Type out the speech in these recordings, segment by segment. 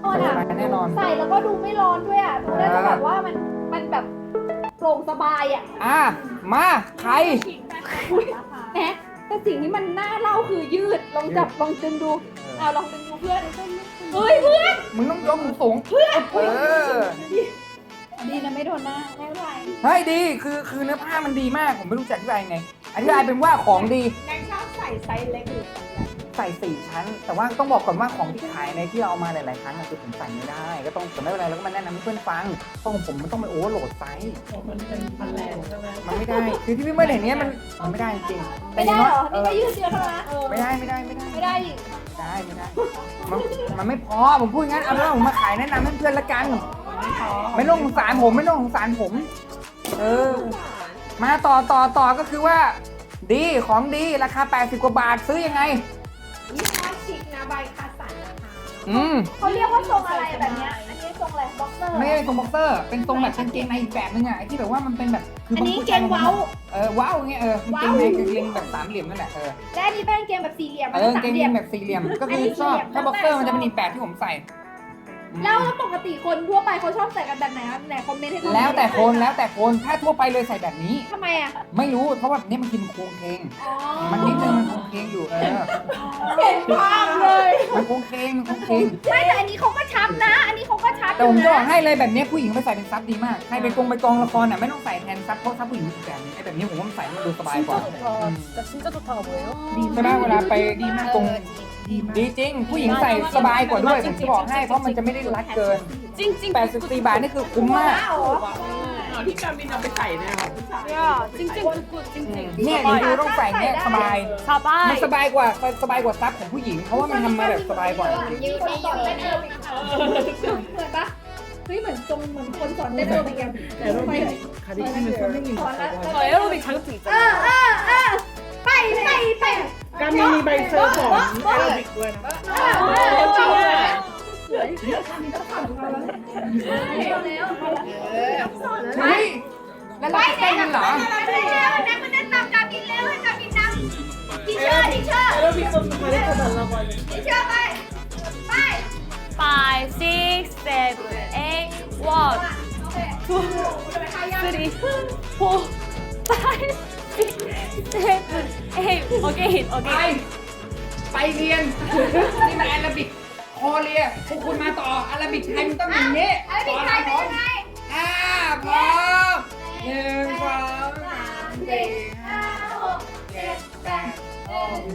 นอ่ะแน่นอนใส่แล้วก็ดูไม่ร้อนด้วยอ่ะดูน่าจะแบบว่ามันแบบโปร่งสบายอ่ะมาใครแหมแต่สิ่งที่มันน่าเล่าคือยืดลองจับลองดึงดูเอาลองดึงดูเพื่อนเฮ้ยเพื่อนมึงต้องยกสูงเพื่อนดีนะไม่โดนหน้าไม่เป็นไรเฮ้ยดีคือเนื้อผ้ามันดีมากผมไม่รู้จะอธิบายยังไงอธิบายเป็นว่าของดีนางชอบใส่ไซส์เล็กหรือใส่4 ชั้น แต่ว่าต้องบอกก่อนว่าของที่ขายในที่เราเอามาหลายๆครั้งอะคือผมใส่ไม่ได้ก็ต้องแต่ไม่เป็นไรแล้วก็มาแนะนำให้เพื่อนฟังเพราะของผมมันต้องไปโอเวอร์โหลดไซส์มันเป็นพันแรงใช่ไหมมันไม่ได้คือที่พี่เมื่อเห็นเนี้ยมันไม่ได้จริงๆไม่ได้เหรอเอนี่อก็ยืดเดียวเท่านั้นนะไม่ได้ไม่ได้อีกไม่ได้มันไม่พอผมพูดงั้นเอาแล้วผมมาขายแนะนำให้เพื่อนละกันไม่ต้องสงสารผมไม่ต้องสงสารผมมาต่อก็คือว่า ดีของดีราคา80 กว่าบาทซื้อยังไงยี่ห้อชิคนะใบคาสันนะคะเขาเรียกว่าทรงอะไรแบบเนี้ยอันนี้ทรงอะไรบ็อกเซอร์ไม่ใช่ทรงบ็อกเซอร์ เป็นทรงแบบกางเกงในอีกแบบนึงอ่ะไอ้ที่แบบว่ามันเป็นแบบคือันนี้บางผู้เกชายงเว้าว้าวอย่างเงี้ยกางเกงในกางเกงแบบ3 เหลี่ยมนั่นแหละและอันนี้เป็นกางเกงแบบสี่เหลี่ยมกางเกงแบบ4 เหลี่ยมก็คือชอบถ้าบ็อกเซอร์มันจะเป็นอีกแบบที่ผมใส่แล้วปกติคนทั่วไปเขาชอบใส่กันแบบไหนครับไหนคอมเมนต์ให้ดูแล้วแต่คนถ้าทั่วไปเลยใส่แบบนี้ทำไมอ่ะไม่รู้เพราะว่าแบบนี้มันกินโครงเคงอ๋อมันนิดนึงมันโครงเคงอยู่เห็นภาพเลยมันโครงเคงไม่แต่อันนี้เขาก็ชัดนะ อันนี้เขาก็ชัดแต่ผมจะบอกนะให้เลยแบบนี้ผู้หญิงไปใส่เป็นซับดีมากใครไปกองละครอ่ะไม่ต้องใส่แทนซับเพราะซับผู้หญิงอีกแบบนึงไอ้แบบนี้ผมว่ามันใส่มันดูสบายกว่า 진짜 좋다가 뭐예요? ใช่ไหมเวลาไปดีมากตรงดีจริง ผู้หญิงใส่สบายกว่าด้วยผมจะบอกให้เพราะมันจะไม่ได้รัดเกิน 찡찡 84 บาทนี่คือคุ้มมากที่การบินเอาไปใส่เนี่ยค่ะ찡찡 굿굿 찡찡 เนี่ยดูต้องใส่เนี่ยสบาย มัน 사바이 สบายกว่าซับของผู้หญิง เพราะว่ามันทำมาแบบสบายกว่าจริงยืดสอนเต้นแอโรบิกเหมือนปะเฮ้ยเหมือนคนสอนเต้นแอโรบิกอย่างแอโรบิกสอนแล้ว 저 에어로빅 자격증 เอ 있잖아요 ไปการมีใบเซอร์ของแอโรบิกด้วยนะจริงอ่ะเฮ้ยแล้วเราจะเต้นกันเหรอนักมันเต้นตามการบินเร็วให้การบินนำทีเชอร์แอโรบิกต้องมาได้ขนาดละวันทีเชอร์ไป 5, 6, 7, 8, 1, 2, 3, 4, 5, 6, 7, 8. Again, ไป again. ไปเรียน นี่มันแอโรบิกโคเรียพวกคุณมาต่อแอโรบิกไทยมันต้องอย่างนี้อะไรบินไทยเป็นยังไงพร้อม1 2 3 4 5 7 8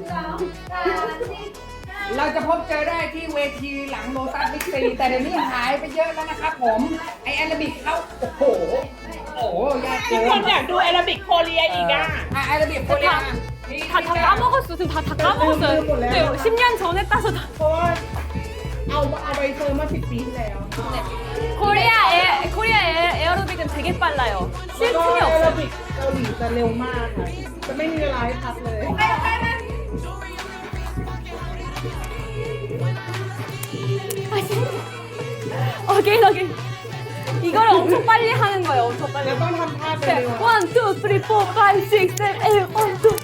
เราจะพบเจอได้ที่เวทีหลังโลตัสบิ๊กซีแต่เดี๋ยวนี้หายไปเยอะแล้วนะครับผม ไอแอโรบิกเขาโอ้โหยากเกิคน นอยากดูแอโรบิกโคเรียอีกอ่ะแอโรบิกโคเรีย 다 까먹었어. 지금 다 까먹었어요. 네, 10년 전에 따서 다. เพราะว่าเอาใบเซอร์มา10 ปีที่แล้ว 코리아 에어로빅은 되게 빨라요. แล้วก็ 쉴 틈이 แอโร 없어요. บิกเกาหลีจะเร็วมากค่ะจะไม่มีเวลาให้พักเลย 어게인, 어게인. 이걸 엄청 빨리 하는 거예요. 엄청 แล้ 빨리. วต้องทำท่าเป็นเร็ว 1, 2, 3, 4, 5, 6, 7, 8,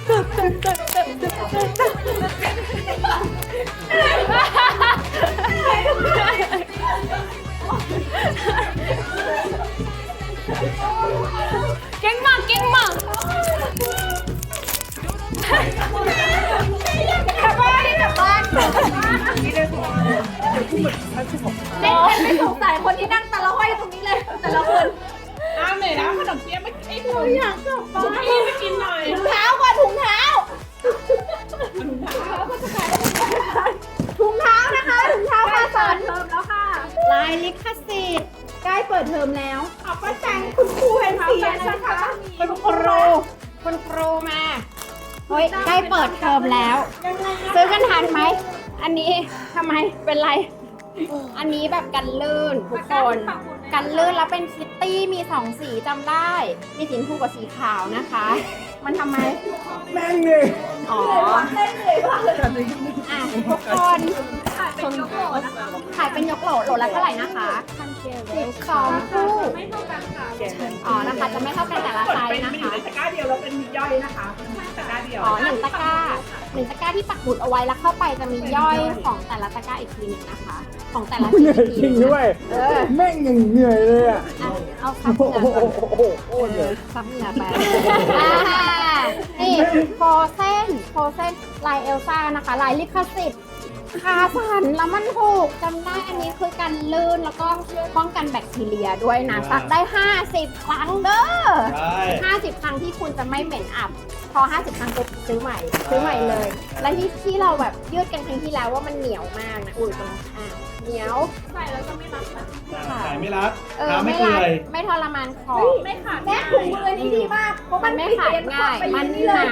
1, 2, 3, 4, 5, 6, 7, 8. 깽막. กลับบ้านกลับบ้านเล่นไม่สงสัยคนที่นั่งแต่ละห้อยตรงนี้เลย แต่ละคนอ้าวเหนื่อยแล้วขนมเปี๊ยะไม่ไอ้ถุงอยากกลับบ้านไปกินหน่อยถุงเท้าก่อนถุงเท้าถุงเท้านะคะถุงเท้าคาสันเทอมแล้วค่ะลายลิขสิทธิ์ใกล้เปิดเทอมแล้วเอาป้าแจงคุณครูเห็นเสียนะคะคุณครูมาเฮ้ยใกล้เปิดเทอมแล้ว ซื้อกันทันไหมอันนี้ทำไมเป็นไร อันนี้แบบกันลื่นทุกคนกันลื่นแล้วเป็นคิตตี้มี2 สีจำได้ มีสีชมพูกับสีขาวนะคะ มันทำไมแม่งเลยอ๋ออ่ะทุกคนขายเป็นยกโหลโหลละเท่าไหร่นะคะ12คู่อ๋อนะคะจะไม่เท่ากันแต่ละไซส์นะคะตะกร้าเดียวเราเป็นย่อยนะคะตะกร้าเดียวอ๋อ1 ตะกร้า1 ตะกร้าที่ปักหมุดเอาไว้แล้วเข้าไปจะมีย่อยของแต่ละตะกร้าอีกทีหนึงนะคะ ของแต่ละเหนื่อยจริงด้วยเออแม่งยังเหนื่อยเลยอ่ะเอาซับเหงื่อก่อนโอ้เหนื่อยซับเหงื่อไปนี่โฟเซนลายเอลซ่านะคะลายลิขสิทธิ์คาสันแล้วมันถูกจำได้อันนี้คือกันลื่นแล้วก็ป้องกันแบคทีเรียด้วยนะซักได้50 ครั้งเด้อ50 ครั้งที่คุณจะไม่เหม็นอับ พอ50 ครั้งปุ๊บซื้อใหม่เลย และที่เราแบบยืดกันครั้งที่แล้วว่ามันเหนียวมากนะอุ้ยตรงเหนียวใส่แล้วจะไม่รับขายไม่รับไม่เปื่รัอยไม่ทรมานคอไม่ขาดแม่ถุงมือนี้ดีมากเพราะมันไม่ขาดง่ายมันหนา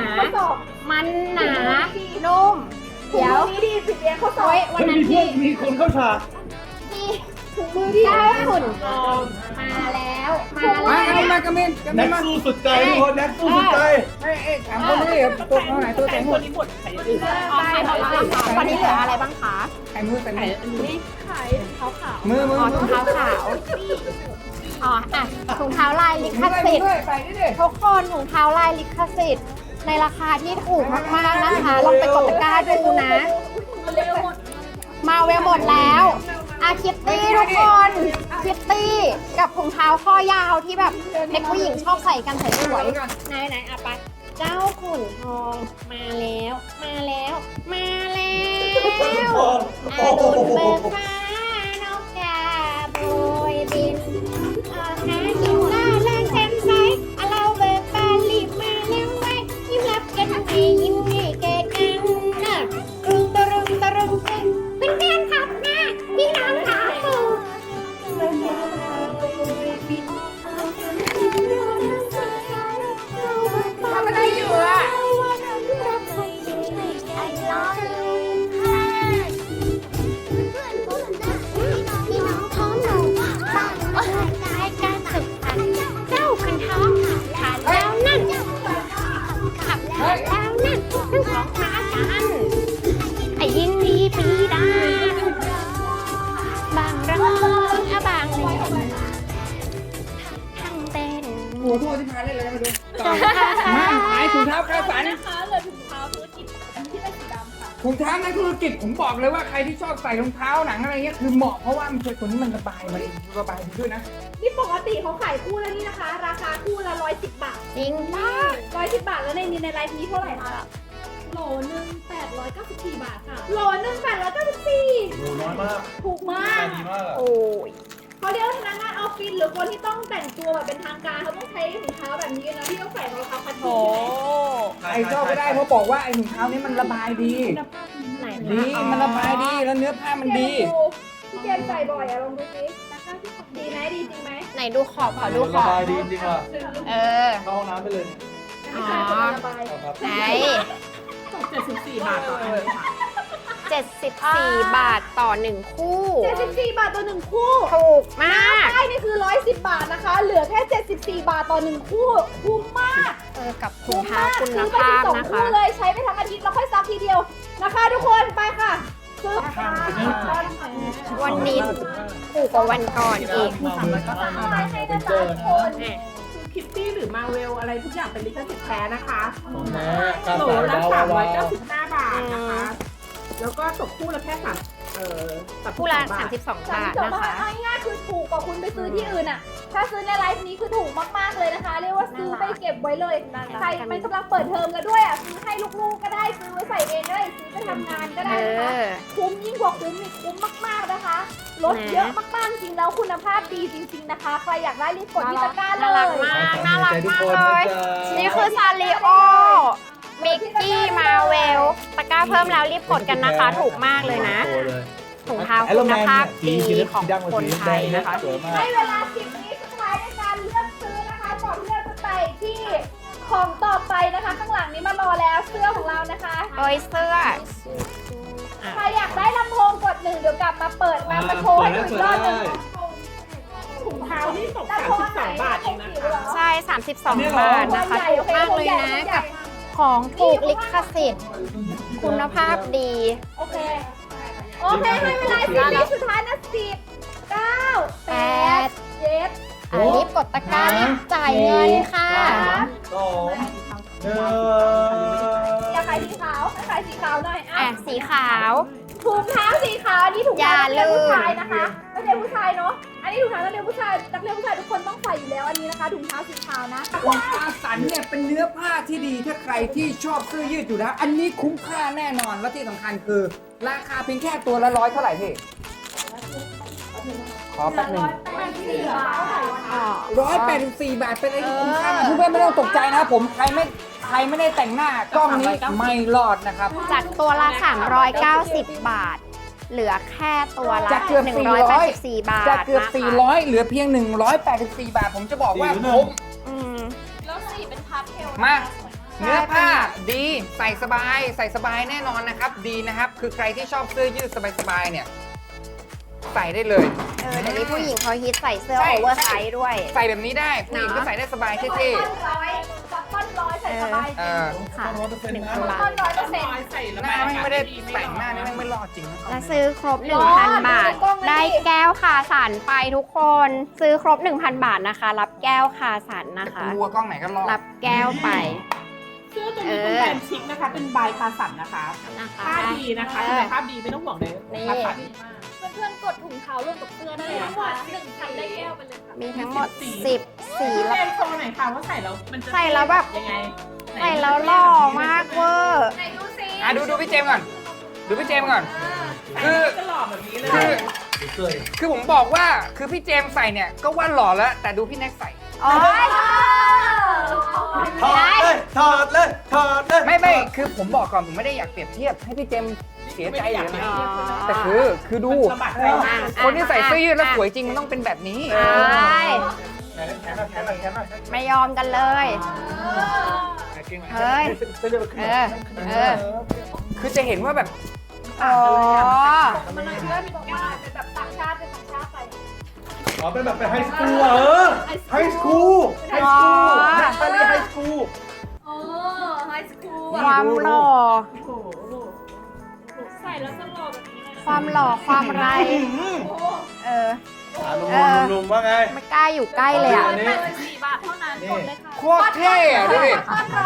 นุ่มเดี๋ยวนี้ดีผิดเรียนข้อสอบวันนั้นที่มีคนเข้าฉากถุงมือที่ได้ฝุ่นทองมาแล้วมากระเมนแน็กสู้สุดใจทุกคนแน็กสู้สุดใจถามคนนี้ตัวเท่าไหร่ตัวแตงหมดอ๋อขายหมดแล้วค่ะตอนนี้เหลืออะไรบ้างคะไข่มือแต่ไหนขายขาวขาวมืออ๋อถุงเท้าขาวอ๋อถุงเท้าลายลิขสิทธิ์ใส่ดิทุกคนถุงเท้าลายลิขสิทธิ์ในราคาที่ถูกมากๆนะคะลองไปกดตะกร้าดูนะ มาเวลหมดแล้วคิตตี้ทุกคนคิตตี้กับถุงเท้าข้อยาวที่แบบเด็กผู้หญิงชอบใส่กันสวยๆไหนไปเจ้าขุนทองมาแล้วดุลเบิกฟ้านกกาโบยบินหากินล่าแรงแจ่มใสเราเบิกบานรีบมาแล้วไว้ยิ้มรับกันให้ยิ้มให้แก่กันนะตรึงเป็นแฟนขับนะพี่น้องขาปูทำอะไรอยู่อ่ะพี่น้องท้องหนูบ้างกายการสึกพันเจ้าคันท้องขาดแล้วนั่นขับแล้วนั่นทั้งสองมากันยินดีปีดาบางร้องบางเล่นทั้งเต้นหัวทั่วที่พาเล่นอะไรมาดูมาขายถุงเท้าคาสันนะคะเหลือถุงเท้าธุรกิจที่เป็นสีดำค่ะถุงเท้าในธุรกิจผมบอกเลยว่าใครที่ชอบใส่รองเท้าหนังอะไรเงี้ยคือเหมาะเพราะว่ามันช่วยตัวนี้มันระบายมาดีด้วยนะนี่ปกติเขาขายคู่แล้วนี่นะคะ ราคาคู่ละ110 บาทจริงมาก 110 บาทแล้วในไลฟ์นี้เท่าไหร่คะโหลนึง894 บาทค่ะโหลนึง894 โหน้อยมากถูกมากดีมากโอ้ยเขาเรียกว่าพนักงานออฟฟิศหรือคนที่ต้องแต่งตัวแบบเป็นทางการเขาต้องใช้ถุงเท้าแบบนี้นะที่ต้องใส่รองเท้าคัชชี่ใช่ไหมไอ้ชอบไม่ได้เพราะบอกว่าไอ้ถุงเท้านี้มันระบายดีไหนดีมันระบายดีแล้วเนื้อผ้ามันดีพี่เจมส์ใส่บ่อยอะลองดูสิดีไหมดีจริงไหมไหนดูขอบขอดูขระอบบายดีจริงว่ะเออเข้าห้องน้ำไปเลยไม่ใช่คนระบายครับไหน 74 บาทต่ออันค่ะ 74 บาทต่อ 1 คู่ 74 บาทต่อ1คู่ถูกมากใช่นี่คือ110 บาทนะคะ เหลือแค่74 บาทต่อ1คู่คุ้มมากกับถุงเท้าคุณซื้อไปภาพ 12 นะคู่คะเลยใช้ไปทั้งอาทิตย์แล้วค่อยซักทีเดียวนะคะ ทุกคนไปค่ะซื้อวันนี้ถูกกว่าวันก่อนอีกให้นะจ๊ะทุกคนคิตตี้หรือมาเวลอะไรทุกอย่างเป็นลิขสิทธิ์แท้นะคะของแท้กาโหลสายละว้าว 395 บาทนะคะ แล้วก็ตกคู่ละแค่คู่ละบาท 32 บาทจบนะมาคะเอาง่ายๆคือถูกกว่าคุณไปซื้อที่อื่นอ่ะ ถ้าซื้อในไลฟ์นี้คือถูกมากๆเลยนะคะ เรียกว่าซื้อไปเก็บไว้เลย ใครมันกำลังเปิดเทอมแล้วด้วยอ่ะ ซื้อให้ลูกๆก็ได้ ซื้อไว้ใส่เองก็ได้ ซื้อไปทำงานก็ได้นะคะ คุ้มยิ่งกว่าคุ้มอีกคุ้มมากๆนะคะลดเยอะมากๆจริงแล้วคุณภาพดีจริงๆนะคะ ใครอยากได้รีบกดที่ตะกร้าเลน่ารักยมากน่ารักทุกมากคนเลนะยจ๊ะนี่คือซาริโอมิกกี้มาเวลตะกร้าเพิ่มแล้วรีบกดกันนะคะ ถูกมากเลยนะโตเลยถุงเท้าคุณภาพดีของคนไทยนะคะสวยมากให้เวลา10 วิสุดท้ายในการเลือกซื้อนะคะก่อนที่เราจะไปที่ของต่อไปนะคะ ข้างหลังนี้มารอแล้วเสื้อของเรานะคะโอ้ยเสื้อใครอยากได้ลำโพงกด1เดี๋ยวกลับมาเปิดมาโชว์ให้ดูอีกรอบหนึงถุงเท้านี่ตกลำโพงไหน 32 บาทเองนะคะใช่ 32 บาทนะคะถูกมากเลยนะกับของถูกลิขสิทธิ์คุณภาพดีโอเคโอเคให้เวลา10 วิสุดท้ายนะ10 9 8 7 อ่ะรีบกดตะกร้ารีบจ่ายเงินค่ะ 2 อยากขายสีขาวให้ขายสีขาวหน่อยอ่ะสีขาวถุงเท้าสีขาวนี่ถุงเท้าอย่านักเรียนผู้ลืมชายนะคะนักเรียนผู้ชายเนาะอันนี้ถุงเท้านักเรียนผู้ชายทุกคนต้องใส่อยู่แล้วอันนี้นะคะถุงเท้าสีขาวนะของคาสันเนี่ยเป็นเนื้อผ้าที่ดีถ้าใครที่ชอบเสื้อยืดอยู่แล้ว อันนี้คุ้มค่าแน่นอนและที่สำคัญคือ ราคาเพียงแค่ตัวละ100เท่าไหร่พี่ขอแป๊บหนึง184 บาทเป็นอะไรที่คุ้มค่ามากเพื่อนๆไม่ต้องตกใจนะครับผมใครไม่ได้แต่งหน้ากล้องนี้ไม่รอดนะครับจากตัวละ 390 บาท เหลือแค่ตัวละจากเกือบ 184 บาทจากเกือบนะคะ 400 เหลือเพียง 184 บาท ผมจะบอกว่าคุ้มอืมแล้วสีเป็นพาสเทลมาเนื้อผ้าดีใส่สบายแน่นอนนะครับ ดีนะครับ คือใครที่ชอบเสื้อยืดสบายๆเนี่ยใส่ได้เลยเดี๋ยวนี้ผู้หญิงเขาฮิตใส่เสื้อใช่โอเวอร์ไซส์ด้วยใส่แบบนี้ได้ผู้หญิงก็ใส่ได้สบายเท่ต้นร้อยใส่สบายๆเออค่ะ 1,000 บาทต้น100% หน้าไม่ได้แต่งหน้านี่ไม่รอดจริงนะและซื้อครบ 1,000 บาท ได้แก้วคาสันไปทุกคน ซื้อครบ 1,000 บาทนะคะ รับแก้วคาสันนะคะกลัวกล้องไหนก็รอดรับแก้วไปเสื้อตัวนี้เป็นแบรนด์ชิคนะคะ เป็นบายคาสันนะคะนะคะผ้าดีนะคะคุณภาพดีไม่ต้องห่วงเลยคาสันเพื่อนๆกดถุงเท้าร่วมกับเสื้อได้เลยนะคะ1,000ได้แก้วไปเลยค่ะมีทั้งหมด 10 สีพี่แล้วเจมส์โชว์หน่อยค่ะว่าใส่แล้วมันจะใส่แล้วแบบยังไงใส่แล้วหล่อมากเวอร์ไหนดูสิดูพี่เจมส์ก่อน ดูพี่เจมส์ก่อน คือจะหล่อแบบนี้เลยคือผมบอกว่าคือพี่เจมส์ใส่เนี่ยก็ว่าหล่อแล้ว แต่ดูพี่แน็กใส่โอ๊ยถอดเลย ถอดเลย ถอดเลยไม่คือผมบอกก่อนผมไม่ได้อยากเปรียบเทียบให้พี่เจมส์เสียใจเลยนะแต่คือดูสะบัดใจมากคนที่ใส่เสื้อยืดแล้วสวยจริงมันต้องเป็นแบบนี้ใช่แขนหน่อยแขนหน่อยแขนหน่อยไม่ยอมกันเลย เฮ้ย เออคือจะเห็นว่าแบบอ๋อมันเลยเพื่อนบอกว่าเป็นแบบต่างชาติไปอ๋อเป็นแบบเป็นไฮสคูลไฮสคูลไฮสคูลแนชาลีไฮสคูลโอ้ไฮสคูลความหล่อใส่แล้วจะหล่อแบบนี้เลยความหล่อ ความไร เออลุงว่าไงไม่กล้าอยู่ใกล้เลยอ่ะ 4 บาทเท่านั้นกดเลยค่ะโคตรเท่อะดูดิ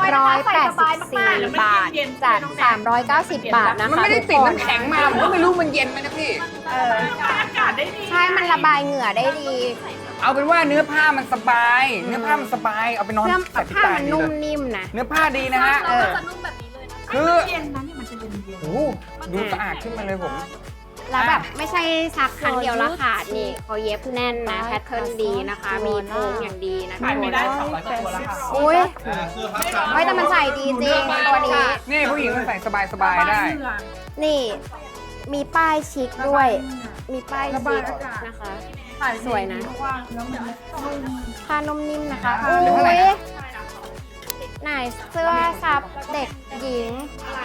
184 บาท จาก 390 บาทนะคะมันไม่ได้ติดน้ำแข็งมาผมก็ไม่รู้มันเย็นไหมนะพี่เอออากาศได้ดีใช่ มันระบายเหงื่อได้ดีเอาเป็นว่าเนื้อผ้ามันสบาย เนื้อผ้ามันสบาย เอาไปนอนเสื้อใส่ที่ผ้าตามันดีนุ่เลมยนิ่มนะเนื้อผ้าดีนะฮะเราก็จะนุ่มแบบนี้เลยนะคือเย็นนะเนี่ยมันจะเย็นโอ้โหดูสะอาดขึ้นมาเลยผมแล้วแบบไม่ใช่ซักครั้งเดียวแล้วขาดนี่เขาเย็บแน่นนะ แพทเทิร์นดีนะคะ มีโครงอย่างดีนะคะขายไม่ได้200กว่าตัวแล้วค่ะอุ้ยเสื้อพักกันไม่แต่มันใส่ดีจริงตัวนี้นี่ผู้หญิงมันใส่สบายๆได้นี่ มีป้ายชิคด้วย มีป้ายชิคนะคะ สวยนะ ผ้านุ่มนิ่มนะคะเหลือเท่าไหร่อุ้ยนะไหนเสื้อซับเด็กหญิง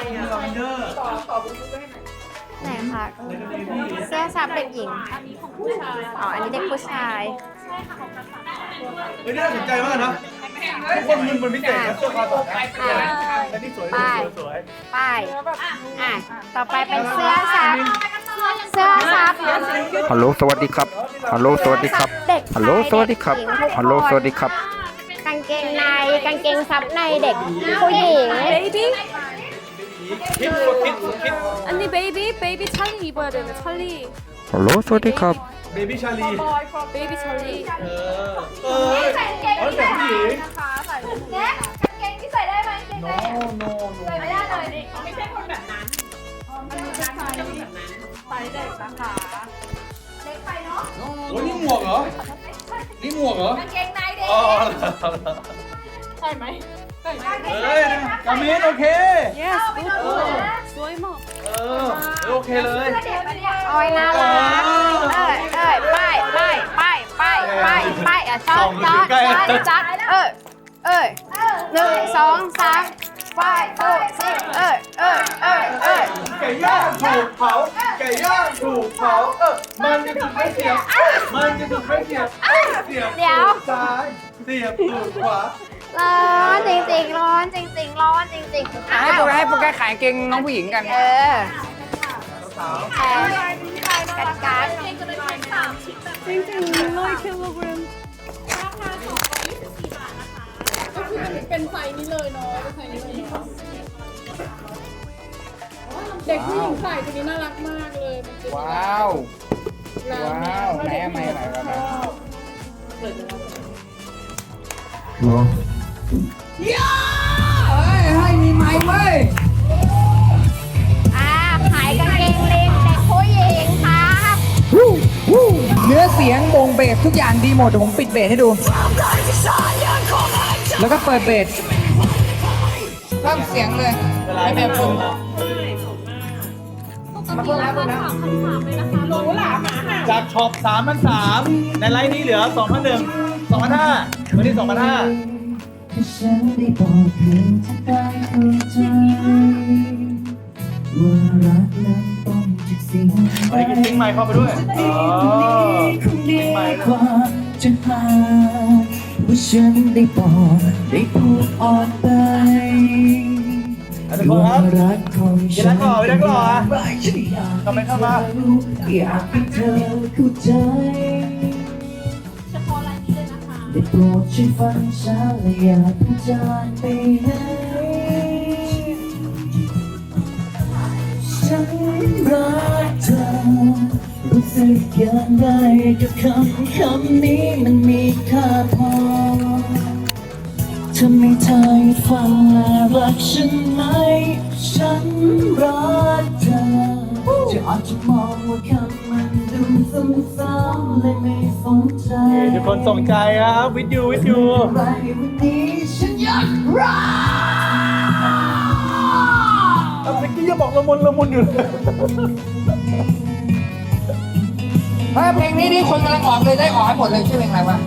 ไหนคะ เสื้อซับเด็กหญิง อ๋อ อันนี้เด็กผู้ชายเฮ้ยน่าสนใจมากนะทุกคนมึนเป็นพิเศษนะเสื้อคอต่อนะอันนี้สวยสวยป้าย อ่ะ ต่อไปเป็นเสื้อซับ เสื้อซับฮัลโหล สวัสดีครับ ฮัลโหล สวัสดีครับเด็กฮัลโหล สวัสดีครับ ฮัลโหล สวัสดีครับกางเกงใน กางเกงซับในเด็กผู้หญิง 베이비? คิดคิด 언니 베이비? 베이비 찰리 입어야 되네 찰리 ฮัลโหล สวัสดีครับเบบี้ชาลี 베이비 찰리 ใส่กางเกงอ๋อที่แต่ใส่ผู้หญิงนะคะใส่แน็กกางเกงที่ใส่ได้ไหมกางเกงในใส่ไม่ได้เลยไม่ใช่คนแบบนั้นมันจะใส่เด็กนะคะเล็กไปเนาะโอ้ยนี่หมวกเหรอ นี่หมวกเหรอกางเกงในเด็กอ๋อใช่ไหมเฮ้ยกามินโอเค 예스 굿 어. 스와이머 โอเคเลยเด็กมันเนี่ยโอ้ยน่ารักป้ายอ่ะชอบจัด1 2 3ป้ายไก่ย่างถูกเผา ไก่ย่างถูกเผา มันจะถูกไม่เสียบ มันจะถูกไม่เสียบ เสียบตูดซ้าย เสียบตูดขวาร้อนจริงๆร้อนจริงๆร้อนจริงๆให้โปรแกรมขายกางเกงน้องผู้หญิงกันเออแพงกันการ 땡땡 롤러이 킬로그램. เป็นไซส์นี้เลยเนาะเป็นไซส์นี้เลยเนาะเด็กผู้หญิงใส่ตัวนี้น่ารักมากเลยมันจะว้าว ว้าวไหนอะไหนเฮ้ยให้มีไม้เว้ยขายกางเกงเลงเด็กผู้หญิงครับเนื้อเสียงวงเบสทุกอย่างดีหมดเดี๋ยวผมปิดเบสให้ดู แล้วก็เปิดเบสเพิ่มเสียงเลยให้แบบผมมาเพิ่มแล้วนะหรูหราหมาห่าจากช็อป3,300ในไลน์นี้เหลือ 2,100 2,500วันนี้ 2,500 ฉันได้บอกเพียงจะได้เข้าใจว่ารักนั้นต้องจากสิ่งวันนี้กินทิ้งไมค์เข้าไปด้วยอ๋อคงดีกว่าจะหาว่าฉันได้บอกได้พูดออกไปอันนี้ครับว่ารักของกินฉัแล้วนก่อนไปแล้วก่อนไม่ใช่อยากทำไมเข้ามาอยากให้เธอเข้าใจได้โปรดช่วยฟังฉันและอย่าเพิ่งจากไปไหนฉันรักเธอรู้สึกอย่างไรกับคำนี้มันมีค่าพอทำให้เธอฟังและรักฉันไหมฉันรักเธอจะอาจจะมองว่าคำมันดูซ้ำๆเลยไม่สนใจทุกคนส่งใจครับวิดยูวิดยูอะไรวันนี้ฉันอยากรักเมื่อกี้ยังบอกละมุนอยู่เลยเฮ้ยเพลงนี้คนกำลังออกเลยได้ออกให้หมดเลยชื่อเพลงอะไรวะ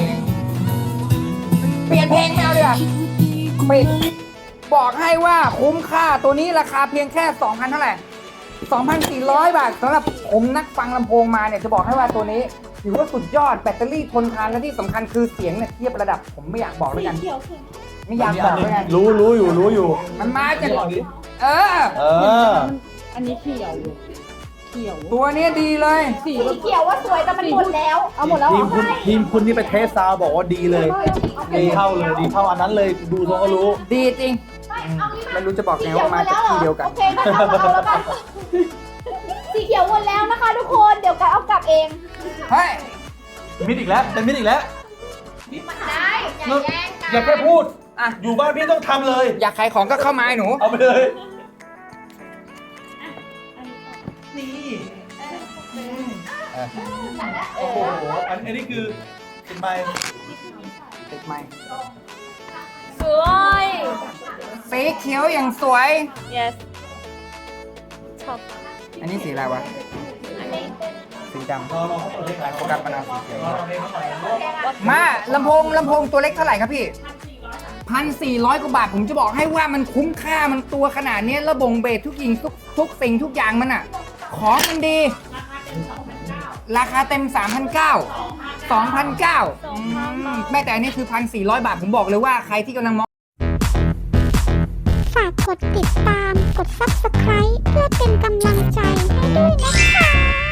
เปลี่ยนเพลงไม่เอาดีกว่าปิดบอกให้ว่าคุ้มค่าตัวนี้ราคาเพียงแค่ 2,000 เท่าไหร่ 2,400 บาทสำหรับผมนักฟังลำโพงมาเนี่ยจะบอกให้ว่าตัวนี้ถือว่าสุดยอดแบตเตอรี่ทนทานและที่สำคัญคือเสียงเนี่ยเทียบระดับผมไม่อยากบอกแล้วกันไม่อยากบอกแล้วกันรู้อยู่มันมาจากเอออันนี้เขียวเขียวตัวนี้ดีเลยสีเขียวว่าสวยแต่มันหมดแล้ว เอาหมดแล้วเหรอทีมคุณนี่ไปเทสซาวบอกว่าดีเลย ดีเท่าอันนั้นเลยดูทรงก็รู้ดีจริง ไม่รู้จะบอกไงว่ามาจากที่เดียวกันโอเคงั้นเอามาเอาแล้วกันสีเขียวหมดแล้วนะคะทุกคนเดี๋ยวกันเอากลับเองเฮ้ยมิดอีกแล้วเป็นมิดอีกแล้วได้อย่าแย่งกันอย่าแค่พูดอ่ะอยู่บ้านพี่ต้องทำเลยอยากขายของก็เข้ามาไอ้หนูเอาไปเลย นี่โอ้โหอันนี้คือเป็นใบติดไม้ 스와이. สีเขียวอย่างสวย Yes. อันนี้สีอะไรวะ สีดำรอเขาเปิดเพลงขายโฟกัสมะนาวสีเขียวรอเพลงเขาหน่อยมาลำโพงตัวเล็กเท่าไหร่ครับพี่ 1,400 กว่าบาทผมจะบอกให้ว่ามันคุ้มค่ามันตัวขนาดนี้ระบงเบสทุกอย่างทุกสิ่งทุกอย่างมันอ่ะ ของมันดี ราคาเต็ม 3,900 2,900แม้แต่อันนี้คือ 1,400 บาทผมบอกเลยว่าใครที่กำลังมองฝากกดติดตาม กด Subscribe เพื่อเป็นกำลังใจให้ด้วยนะคะ